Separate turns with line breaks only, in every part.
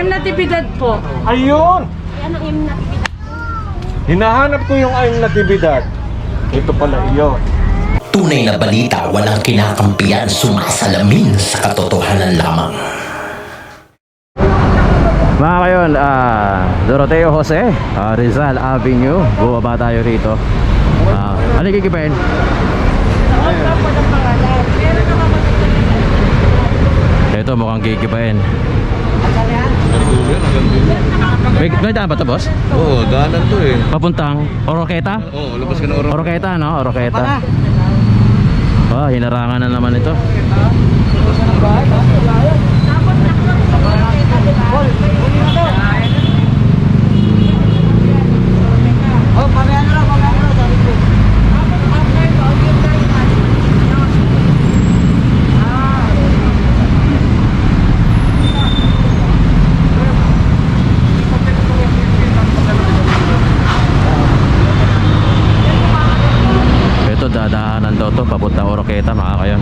M Natividad po.
Ayun!
Ano M Natividad?
Hinahanap ko yung ayong Natividad. Ito pala iyon.
Tunay na balita, walang kinakampiyan, sumasalamin sa katotohanan lamang.
Mga kayon, Doroteo Jose, Rizal Avenue. Bumaba tayo rito. Ano kikipain? Ito mukhang kikipain. May daan ba ito, boss?
Oo, daanan to eh.
Papuntang Oroqueta?
Oo, labas ka na oras.
Oroqueta, no? Oroqueta. Hinarangan na naman ito. Ito dadaanan daw to papunta Oroqueta, mga kayon.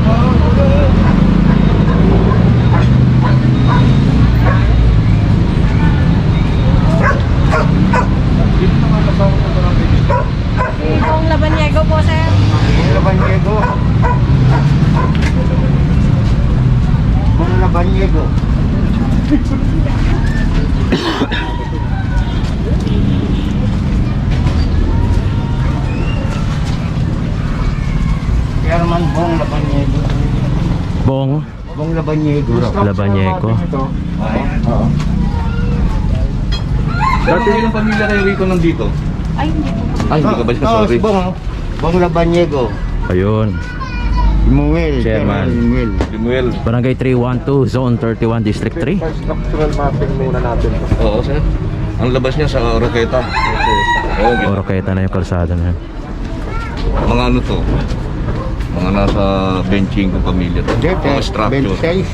Bong Labanyego po, sir.
Labanyego. Labanyego. Herman Bong Labanyego.
Bong
Bong Labanyego.
Labanyego.
Oo.
Dati ilang pamilya kayo rito nandito?
Ay, hindi po.
Ay, hindi ka ba siya? Sorry.
Bong Labanyego.
Ayun.
Imuel.
Chairman.
Imuel.
Limuel.
Barangay 312, Zone 31, District 3.
Structural mapping muna natin.
Oo, sir. Ang labas niya sa Oroqueta. Oo, okay.
Oroqueta na yung kalsada na yan.
Mga ano to? Mga nasa 25 pamilya to. Mga structure.
26.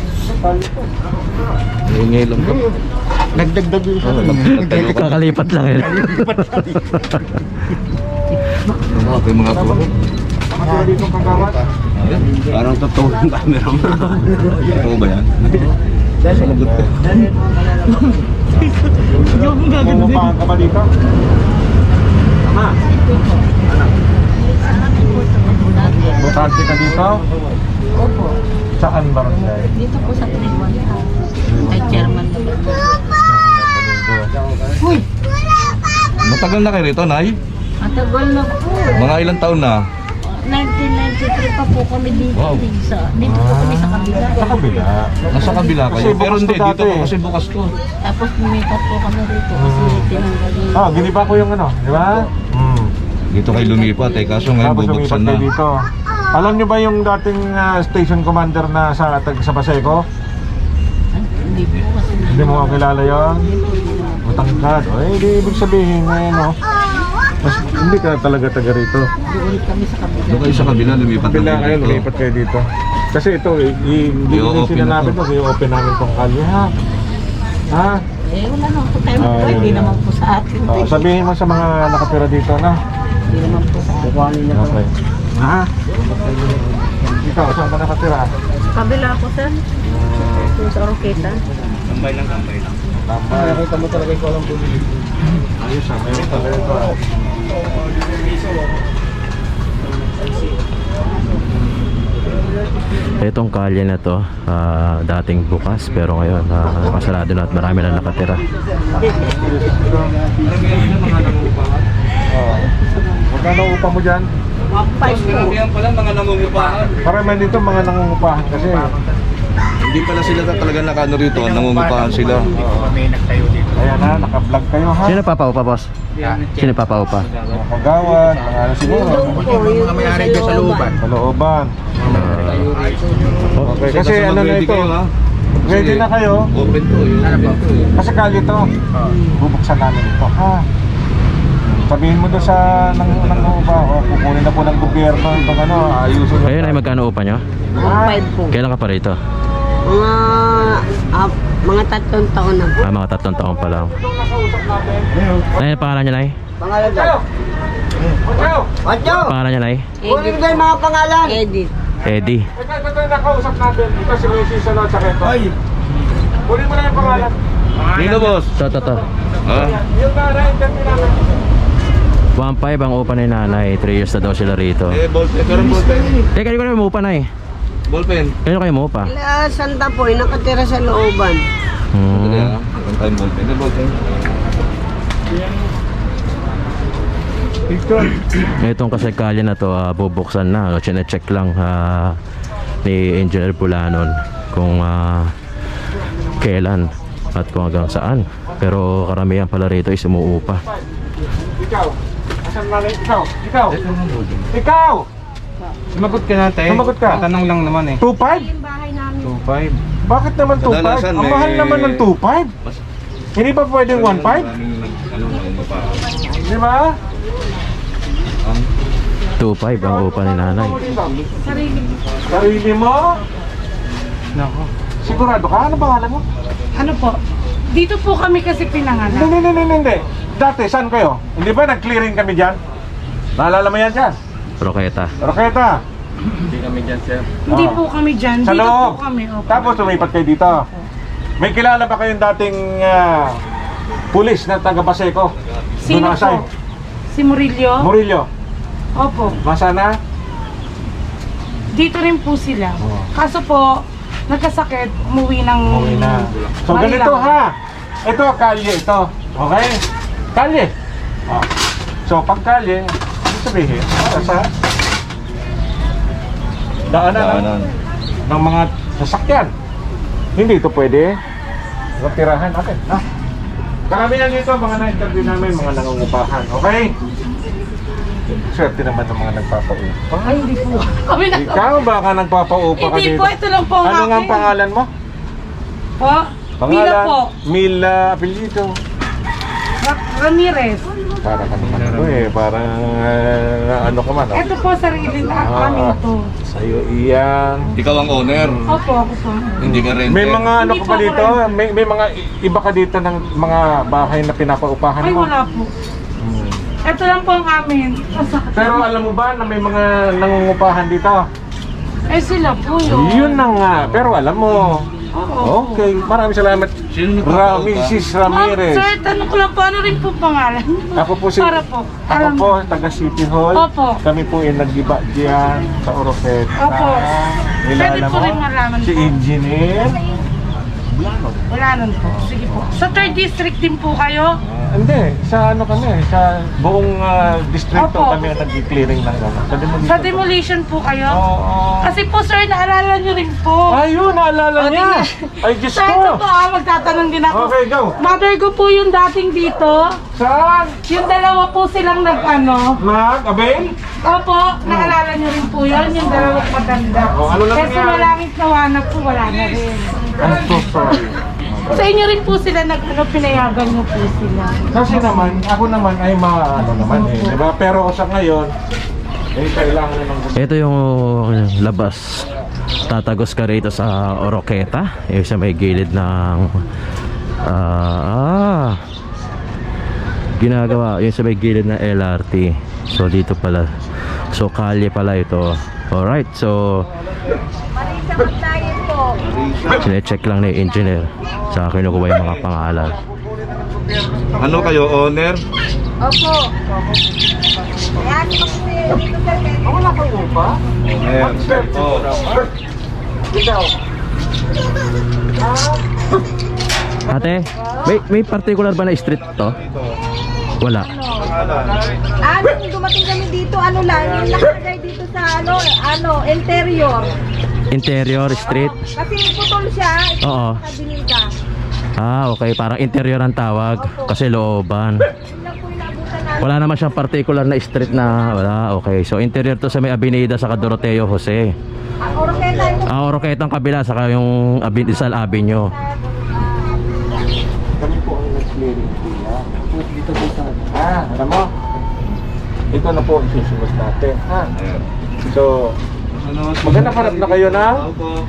Ingay lang to.
Nagdagdag yung isa.
Kakalipat lang yun.
Okay, mga to.
Mga dito kagawad.
Parang totoo yung camera mo. Totoo ba yan? Salagot ko.
Pumapahan ka ba dito? Tama. Butante ka dito?
Opo.
Saan barangay?
Dito po sa 3-1 kay Chairman.
Matagal na kayo rito, Nay?
Matagal na po.
Mga ilang taon na?
1993 pa po kami dito.
Wow.
Dito po kami sa kabila.
Sa kabila.
Nasa kabila kayo.
Kasi
Pero
bukas
hindi,
to
dito
dati.
po kasi bukas to.
Tapos lumipat po kami rito kasi tinanggal yung...
Giniba ko yung ano, di ba?
Dito kayo lumipat eh, kaso ngayon
Tapos
bubuksan
lumipat
na.
kayo dito. Alam niyo ba yung dating station commander na sa Paseco?
Hindi po kasi...
Hindi mo kilala yun? Matangkad. O, di ibig sabihin na yun, no? Mas, hindi ka talaga taga rito.
Doon kami sa kabila.
Doon kayo sa kabila, lumipat
Kabila
na
kayo,
dito.
lumipat kayo dito. Kasi ito, hindi
I-open
ko sinanapin
na
to, i-open namin tong kalye, ha? Ha?
Eh, wala naman po tayo po. Hindi
yun.
naman po sa atin.
Sabihin mo sa mga nakatira dito na.
Hindi naman po sa atin.
Okay. Ha? Ikaw, saan ka nakatira?
Kabila po, sir. Yung sa Oroqueta.
Tambay lang.
Nakita mo talaga yung walang bumili. Ayos ha, mayroon talaga ito ha.
Itong kalye na to, dating bukas pero ngayon nakasarado na at marami na nakatira.
Magkano upa mo dyan?
Karamihan pala mga nangungupahan.
Parang dito mga nangungupahan kasi.
Hindi pala sila talaga nakano rito, nangungupahan sila.
Kaya na, naka-vlog kayo ha.
Sino papaupa, boss? Sino papaupa?
Mga kagawad, mga ano siguro.
Mga may-ari dyan sa looban.
Sa looban. Okay, kasi
Kasi
ano na
mag-ready
ito.
kayo, ha?
Ready na kayo.
Open to, yun.
Kasi kalye to. Bubuksan namin ito ha. Sabihin mo doon sa nangungupa, kukunin na po ng gobyerno itong ano, ayusin nyo.
Ayun ay magkano upa nyo?
5 po.
Kailan ka pa rito?
Mga 3 taon na po.
Mga 3 taon pa lang. Nay, pangalan niya, Nay?
Pangalan daw. Watcho!
Pangalan niya, Nay?
Kunin ko yung mga pangalan.
Edit.
Eddie.
Ito yung nakausap natin. Ito si Mrs. Ano, tsaka ito. Kunin mo na yung pangalan.
Dito, boss.
To.
Ha?
Yung nanay, interview namin.
1.5 ang upa ni nanay. 3 years na daw sila rito.
Ballpen. Pero ballpen.
Eh, kanino kayo umupa na eh?
Ballpen.
Kanino kayo umupa?
Santa po, nakatira sa looban.
Dali,
Hmm.
ha? Meron tayong ballpen. Ito, ballpen.
Itong kasi kalye na to, bubuksan na. Chine-check lang ni Engineer Pulanon kung kailan at kung hanggang saan. Pero karamihan pala rito is umuupa.
Ikaw. Asan nanay? Ikaw. Ikaw.
Sumagot ka natin.
Sumagot ka.
Tanong lang naman eh.
2.5?
2.5.
Bakit naman 2.5?
Kadalasan
Ang
may-
mahal naman ng 2.5. Hindi ba pwedeng 1.5? Di ba?
2.5 ang upa ni nanay.
Sarili mo?
Nako.
Sigurado ka? Ano pangalan mo?
Ano po? Dito po kami kasi pinanganak.
Hindi. Dati, saan kayo? Hindi ba nag-clearing kami dyan? Naalala mo yan dyan?
Roketa.
Roketa.
Hindi po kami dyan.
Sa
Dito
loob.
po kami. Opo.
Tapos lumipat kayo dito. May kilala ba kayong dating pulis na taga Baseco?
Sino
Dunasay?
po? Si Murillo?
Murillo.
Opo.
Masana?
Dito rin po sila.
Oh.
Kaso po, nagkasakit, umuwi ng
Okay na. So
Manila.
ganito ha. Ito, kalye ito. Okay? Kalye. Oh. So pag kalye, ibig sabihin, para sa daanan ng mga sasakyan. Hindi ito pwede. Tirahan natin. Ha? Karamihan dito, mga na-interview namin, mga nangungupahan. Okay? Swerte naman ng mga nagpapaupa.
Ay, hindi po. Kami na.
Ikaw baka nagpapaupa ka
Hindi
dito?
po, ito lang po ang
Ano nga ang
akin.
pangalan mo?
Po? Mila po.
Mila apelyido.
Ramirez.
Para ka naman ano parang ano ka man.
Ito po, sarili na kami to.
Sa'yo iyan.
Ikaw ang owner.
Opo, ako po.
Hindi ka renter.
May mga ano
Hindi
ka
po
ba
ako
dito? May mga iba ka dito ng mga bahay na pinapaupahan
Ay,
mo?
wala po. Ito lang po ang amin.
Pero alam mo ba na may mga nangungupahan dito?
Eh, sila po yun.
Yun na nga. Pero alam mo.
Oo.
Okay. Maraming salamat.
Sino nagpapaupa?
Mrs.
Ma'am,
Ramirez.
sir, tanong ko lang po, ano rin po pangalan?
Ako po si
Para po.
Ako
Alam
po taga City Hall.
Opo.
Kami po ay nag-iba diyan sa Oroqueta.
Opo.
Kilala
Pwede po
mo?
rin malaman
Si
po.
Engineer.
Wala nun po. Sige po. Sa 3rd district din po kayo?
Hindi, sa ano kami, sa buong distrito
Opo.
kami ang nag-clearing ng ano. Sa demolition.
Sa demolition po kayo?
Oo.
Kasi po sir, naalala nyo rin po.
Ayun, naalala
O,
niya.
tingnan.
Ay, Diyos
Sa ito po
ko.
magtatanong din ako.
Okay, go.
Mother ko po yung dating dito.
Saan?
Yung dalawa po silang nag-ano.
Mag-avail?
Opo, naalala nyo rin po yun. Yung dalawang maganda.
O, ano lang
Kasi
nangyari?
malangit na wanag po, wala na rin.
I'm so sorry.
Sa inyo rin po sila nag-ano, pinayagan nyo po sila.
Kasi naman, ako naman ay ano naman di ba? Pero sa ngayon, kailangan na ng
Ito yung labas. Tatagos ka rito sa Oroqueta. Yung sa may gilid ng ginagawa. Yung sa may gilid ng LRT. So dito pala. So kalye pala ito. Alright, so sine-check lang ni engineer sa kinukuha yung mga pangalan.
Ano kayo, owner?
Opo. Ayan, dito sa
wala kang upa?
Owner. Oh.
Ikaw.
Ate, may particular ba na street to? Wala.
Nung dumating kami dito, ano lang, yung nakalagay dito sa interior.
Interior street?
Kasi putol siya, ito
Oo.
nakabinida.
Okay, parang interior ang tawag kasi looban.
Yun lang po yung naabutan namin.
Wala naman siyang particular na street na wala. Okay, so interior to sa may Avenida sa Doroteo Jose.
Ang Oroqueta yung
Oroqueta ang kabila saka yung Rizal Avenue.
Kami po ang nag-clearing dito po sa alam mo? Ito na po ang susunod natin.
Ayan.
So, maganda harap na kayo na
Opo.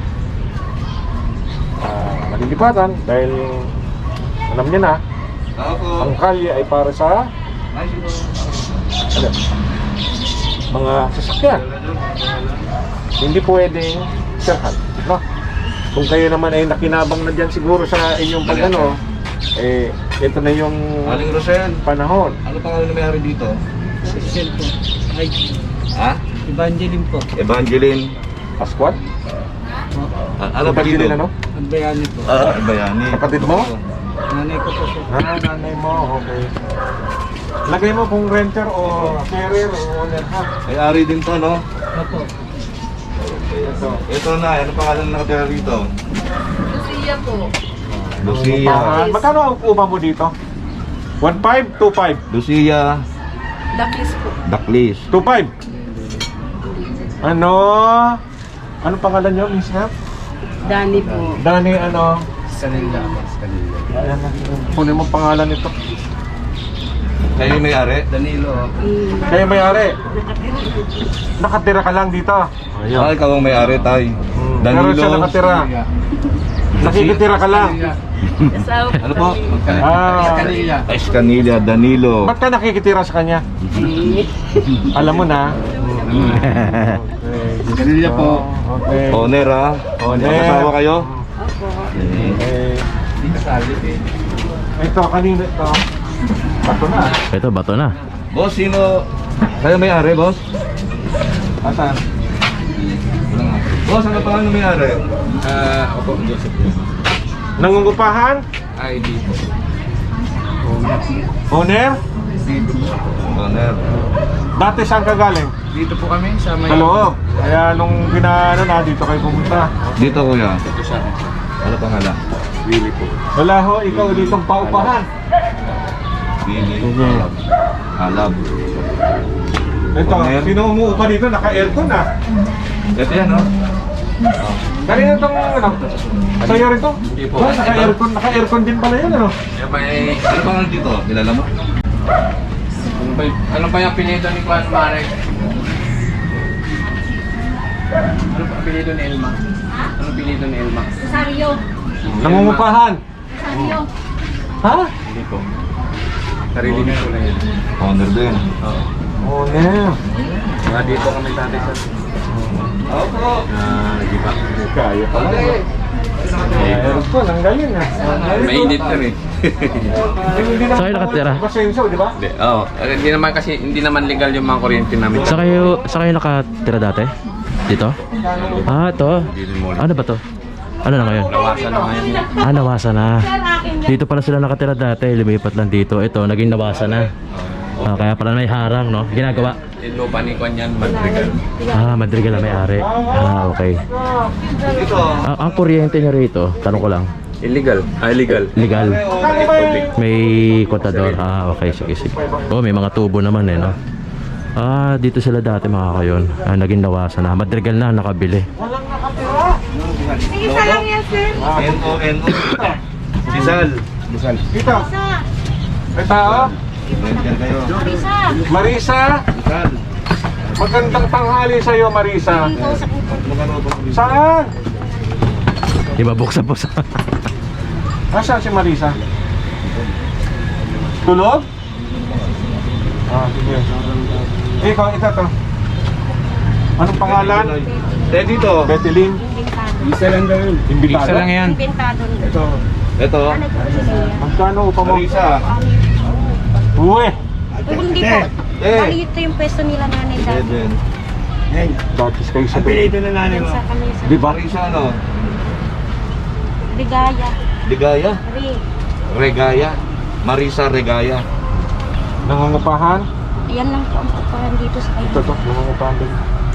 malilipatan dahil alam niyo na,
Opo.
ang kalye ay para sa ano, mga sasakyan. Hindi pwedeng sirhan, no? Kung kayo naman ay nakinabang na dyan siguro sa inyong pag-ano, ito na yung
Aling Rosel,
panahon.
ano pangalan na may-ari dito?
Cell po. Ay,
Ha?
Evangeline po.
Evangeline.
Pascual?
Ano pa dito?
Ano?
Ang bayani po.
Bayani.
Kapatid mo?
Nanay ko po po.
Nanay mo, okay. Lagay mo kung renter o carrier o owner ha.
May-ari din to, no?
Opo.
Ito.
Ito na, ano pangalan na nakatira dito?
Lucia po.
Lucia.
Magkano ang upa mo dito? 1.5, 2.5.
Lucia
Daklis po.
Daklis.
2.5. Ano? Ano pangalan nyo, Miss Hap?
Dani po.
Dani, ano?
Kanila.
Ayan na. Kunin mo pangalan nito.
Kayo yung may-ari?
Danilo.
Kaya may-ari. Nakatira ka lang dito.
Ah, ikaw ang may-ari, tay.
Meron siya nakatira. Nakikitira ka lang.
Ano po?
Ah,
Escanilla, Danilo.
ba't ka nakikitira sa kanya? Alam mo na.
Kanila po.
Okay.
Owner, ha?
Owner.
Magkasawa kayo?
Okay. Ito, kanina ito. Bato na.
Ito, bato na.
Boss, sino? Kayo may-ari, boss?
Asan?
Boss, ano pangalan ng may-ari?
Opo, Joseph.
Nangungupahan?
ID po.
Owner?
Owner.
Dati saan ka galing?
Dito po kami sa may...
Sa loob. Kaya nung ginaano na, dito kayo pumunta.
Dito, kuya.
Ito siya.
Ano pangalan?
Willie po.
Wala ho, ikaw ditong paupahan.
Billy.
Mhm.
Alab.
Ito,
Owner.
sino umuupa dito? Naka-aircon na.
Ito yan, no?
Kanina itong ano? Sa'yo rin to?
Hindi po.
Naka-aircon, naka-aircon din pala yun, ano?
Yung may...
Ano pangalan dito? Kilala mo?
Ano pa yung apelido ni Juan Marek? Ano pa apelido ni Elma? Ano apelido ni Elma?
Rosario.
Nangungupahan.
Rosario.
Ha?
Hindi po. Sarili niyo na yan.
Owner din.
Oo.
Owner.
Mga dito kami tatay sa...
Opo.
Di ba?
Kaya pala. Aircon, ang galing ah.
Mainit na rin.
Hindi naman
Saan kayo nakatira?
Basenso, di ba?
Oo. Hindi naman legal yung mga kuryente namin.
Sa kayo nakatira dati? Dito? Ah, ito. Ano ba to? Ano na ngayon?
Nawasan na ngayon.
Ah, nawasan na. Dito pala sila nakatira dati, lumipat lang dito. Ito, naging nawasan na. Ah, kaya pala may harang, no? Ginagawa.
Yung lupa ni Juan yan, Madrigal.
Ah, Madrigal na may-ari. Ah, okay.
Dito.
Ang kuryente niyo rito, tanong ko lang.
Illegal. Illegal.
Legal. May kontador. Ah, okay. Sige, sige. Oh, may mga tubo naman eh, no? Ah, dito sila dati mga kayon. Ah, naging nawasan na. Madrigal na, nakabili.
Isa lang yan, sir.
N-O-N-O. Rizal.
Dito. May tao?
Yan kayo.
Marisa.
Marisa.
Rizal.
Magandang tanghali sa'yo, Marisa. Saan?
Iba buksan po sa...
Nasaan si Marisa? Tulog? Ah, sige. Ikaw, ito to. Anong pangalan?
Dito.
Betelin.
Isa lang daw yun.
Imbitado?
Isa lang yan.
Inventado.
Ito.
Ito.
Magkano upa mo?
Marisa.
Uwe.
Hindi po. Bali ito yung pwesto nila nanay dati.
Eden.
Datis kayo sa
na nanay
Yan sa kami sa
Di ba?
Marisa, ano?
Ligaya.
Ligaya.
Ri.
Regaya. Marisa Regaya.
Nangungupahan?
Ayan lang po ang pupuhan dito sa
Ito
kayo.
to, nangungupahan din.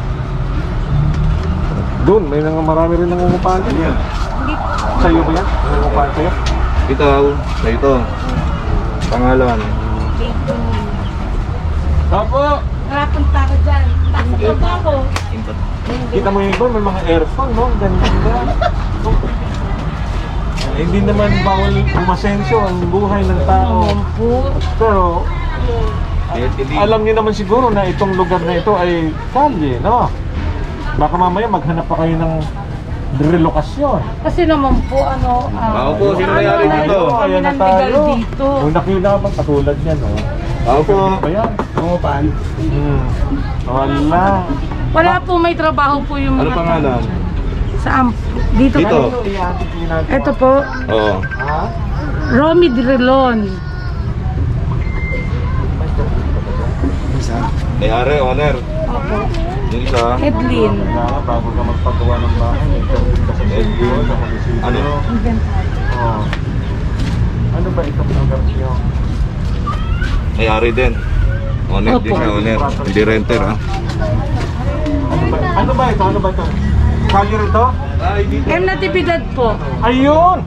Doon, marami rin nangungupahan din.
Hindi po.
Sa'yo ba yan? Nangungupahan sa'yo?
Ito. Sa ito. Pangalan.
Dito.
Opo!
Nakapunta ko dyan. Takot na ako.
Kita mo yung iba, may mga aircon, no? Ganito. Hindi naman bawal umasenso ang buhay ng tao. Pero, alam niyo naman siguro na itong lugar na ito ay kalye, no? Baka mamaya maghanap pa kayo ng relokasyon.
Kasi naman po,
Ako po, sino may-ari dito?
Ayan na tayo. Kung nakita ka katulad niyan, no?
Ako po.
Ba yan? Pangupahan? Wala.
wala po, may trabaho po yung
Ano pangalan?
Saan? Dito.
Dito.
Ito po.
Oo.
Ha?
Romy Drilon.
May-ari, owner.
Opo.
Yung isa,
Edlin.
Kailangan bago ka magpagawa ng bahay, interview ka sa LGU, sa munisipyo.
Ano?
Oh. Ano ba itong lugar niyo?
may-ari din. Owner din siya, owner. Hindi renter, ha?
Ano ba ito? Ano ba ito? Kalye rito?
M Natividad po.
Ayun!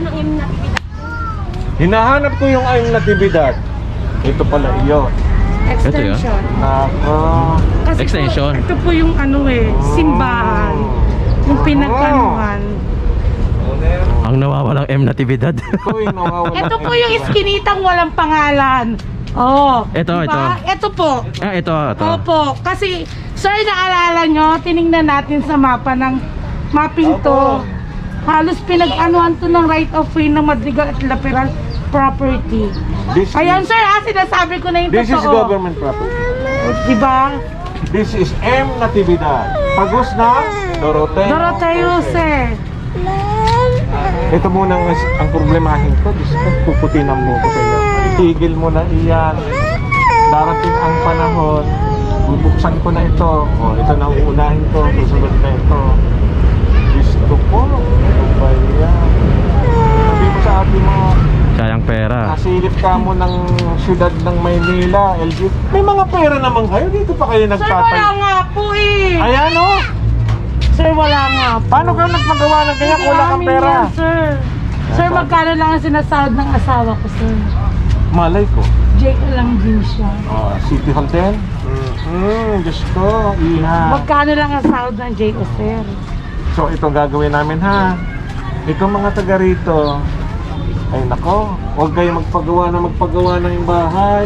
Hinahanap ko yung ayong natibidad. Ito pala iyon.
Extension.
Nako.
Kasi
Extension.
Po, ito po yung ano simbahan. Yung pinagkanuhan.
Ang nawawalang M Natividad.
Ito yung nawawala.
Ito po yung iskinitang walang pangalan. Oh.
Ito, ito.
Ito po.
Ito.
Opo. Kasi, sir, naalala nyo, tinignan natin sa mapa ng mapping to. Halos pinag-anuhan to ng right of way ng Madrigal at Laperal property.
This
Ayan, sir, sinasabi ko na yung
This is
totoo.
government property.
Diba?
This is M Natividad. Pagos na Doroteo.
Doroteo, sir.
Ito muna ang problemahin ko. Diyos ko, puputin ang buko sa iyo. Itigil mo na iyan. Darating ang panahon. Bubuksan ko na ito. O, ito na uunahin ko. Susunod na ito. Diyos ko po. Ano ba yan? Sabi mo sa atin mo,
Sayang pera.
nasilip ka mo ng syudad ng Maynila, LG. May mga pera naman kayo. Dito pa kayo
Sir, wala
nagtatay.
nga po eh.
Ayan o.
Sir, wala nga po.
Paano kayo nagpagawa ng kanya kung wala kang
Amin
pera?
yan, sir. Sir, magkano lang ang sinasahod ng asawa ko, sir?
Malay ko.
JO lang din siya.
City Hall din? Diyos ko, iha.
Magkano lang ang sahod ng JO, sir?
So ito gagawin namin ha. Ito mga taga rito. Ay nako, huwag kayo magpagawa ng bahay.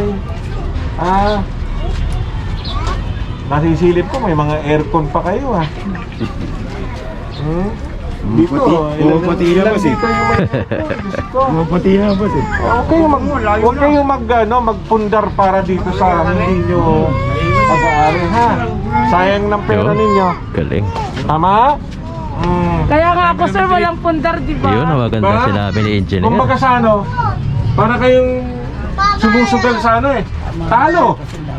Nasisilip ko may mga aircon pa kayo ha. Dito,
Pumapati na ba,
dito yung may Diyos ko.
Pumapati na ba, sir?
Huwag kayo magpundar para dito sa hindi nyo pag-aari ha. Sayang ng pera
Yun.
ninyo.
Galing.
Tama?
Kaya nga ako, sir, walang pundar, di ba?
Yun ang maganda
Ba?
sinabi ni engineer.
Kumbaga sa ano, para kayong sumusugal sa ano eh. Talo!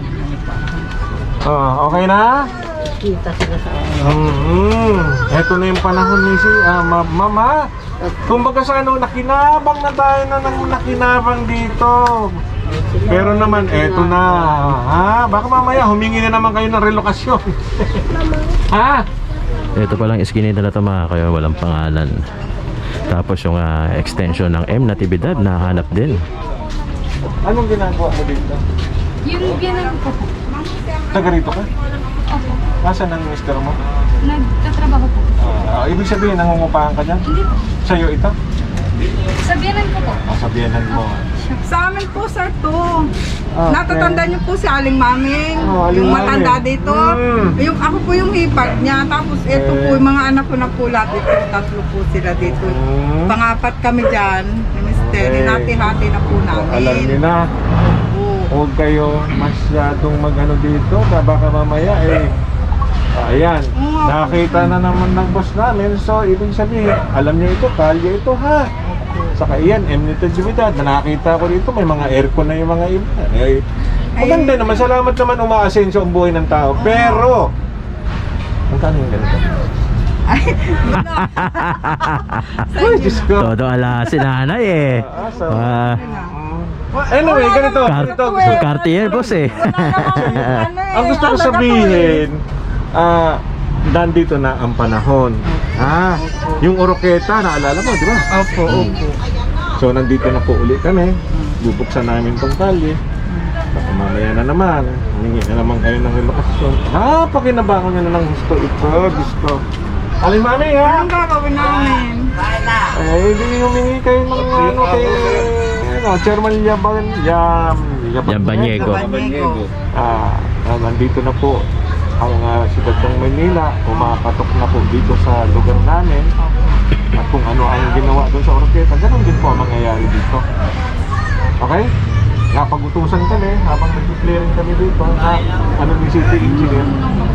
Okay na?
Kita sila sa
Ito na yung panahon ni Mama. Kumbaga sa ano, nakinabang na tayo ng nakinabang dito. Pero naman, eto na. Baka mamaya humingi na naman kayo ng relokasyon.
Ito palang iskinita na ito mga kayo, walang pangalan. Tapos yung extension ng M Natividad, nahanap din.
Anong ginagawa mo dito?
Yung ginang ko po.
Taga rito ka?
Opo.
Nasaan ang mister mo?
Nagtatrabaho po.
Ibig sabihin, nangungupahan ka dyan?
Hindi po.
Sa'yo ito?
Sabihanan ko po.
Sabihanan mo.
Sa amin po, sir, to.
Okay.
Natatanda niyo po si Aling Maming.
Aling
Yung
Maming.
matanda dito. Yung ako po yung hipag niya. Tapos ito po, yung mga anak ko na po lahat dito. Tatlo po sila dito. Pangapat kami dyan. Ni Mister. Hinati-hati na po namin.
Alam niyo na. Huwag kayo masyadong mag-ano dito. Baka mamaya ayan. Nakita na naman ng boss namin. So, ibig sabihin, alam niyo ito, kalye ito ha. Saka iyan, M Natividad. Na nakita ko dito, may mga aircon na yung mga iba. Maganda naman. Salamat naman umaasenso ang buhay ng tao. Pero, magkano yung ganito? Ay, Diyos ko.
Todo ala si nanay eh.
Anyway, ganito.
Cartier boss eh.
Ang gusto ko sabihin, nandito na ang panahon. Yung Oroqueta, naalala mo, di ba?
Opo.
So, nandito na po uli kami. Bubuksan namin tong kalye. Baka mamaya na naman. Humingi na naman kayo ng relokasyon. Pakinabangon nyo na ng gusto ito. Gusto. Aling Mami, ha?
Anong gagawin namin?
Hindi humingi kayo ng ano kay Chairman
Yambanyego.
Nandito na po ang siyudad ng Manila. Umapatok na po dito sa lugar namin. At kung ano ang ginawa doon sa Oroqueta, ganun din po ang mangyayari dito. Okay? Napag-utusan kami habang nag-clearing kami dito. Ano ni City Engineer?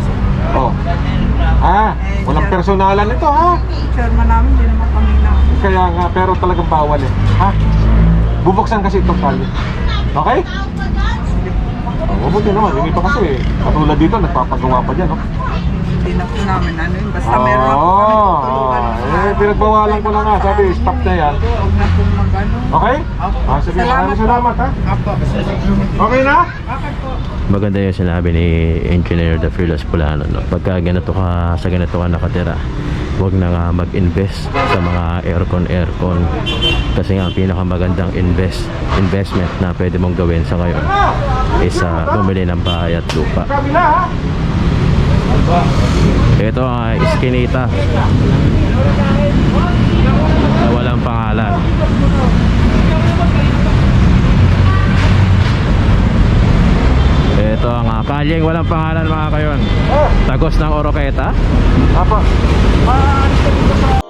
Walang personalan ito ha.
Chairman namin, hindi naman kami na.
Kaya nga, pero talagang bawal eh. Bubuksan kasi itong tali. Okay? Mabuti naman, yung iba kasi, katulad dito, nagpapagawa pa dyan, no?
Hindi na po namin ano yun. Basta meron lang po kami tutulungan.
Pinagbawalan ko na nga, sabi, stop na yan.
Huwag na po mag-ano.
Okay?
Opo.
Sige, maraming salamat, ha?
Opo.
Okay na?
Okay po.
Maganda yung sinabi ni Engineer The Fearless Pulano, no? Pagka ganito ka, sa ganito ka nakatira, huwag na nga mag-invest sa mga aircon. Kasi nga ang pinakamagandang investment na pwede mong gawin sa ngayon is bumili ng bahay at lupa.
Kabila, ha?
Ito ang iskinita na walang pangalan. Ito ang kalyeng walang pangalan mga kayon. Tagos ng Oroqueta.
Apa? Maalis ka dito sa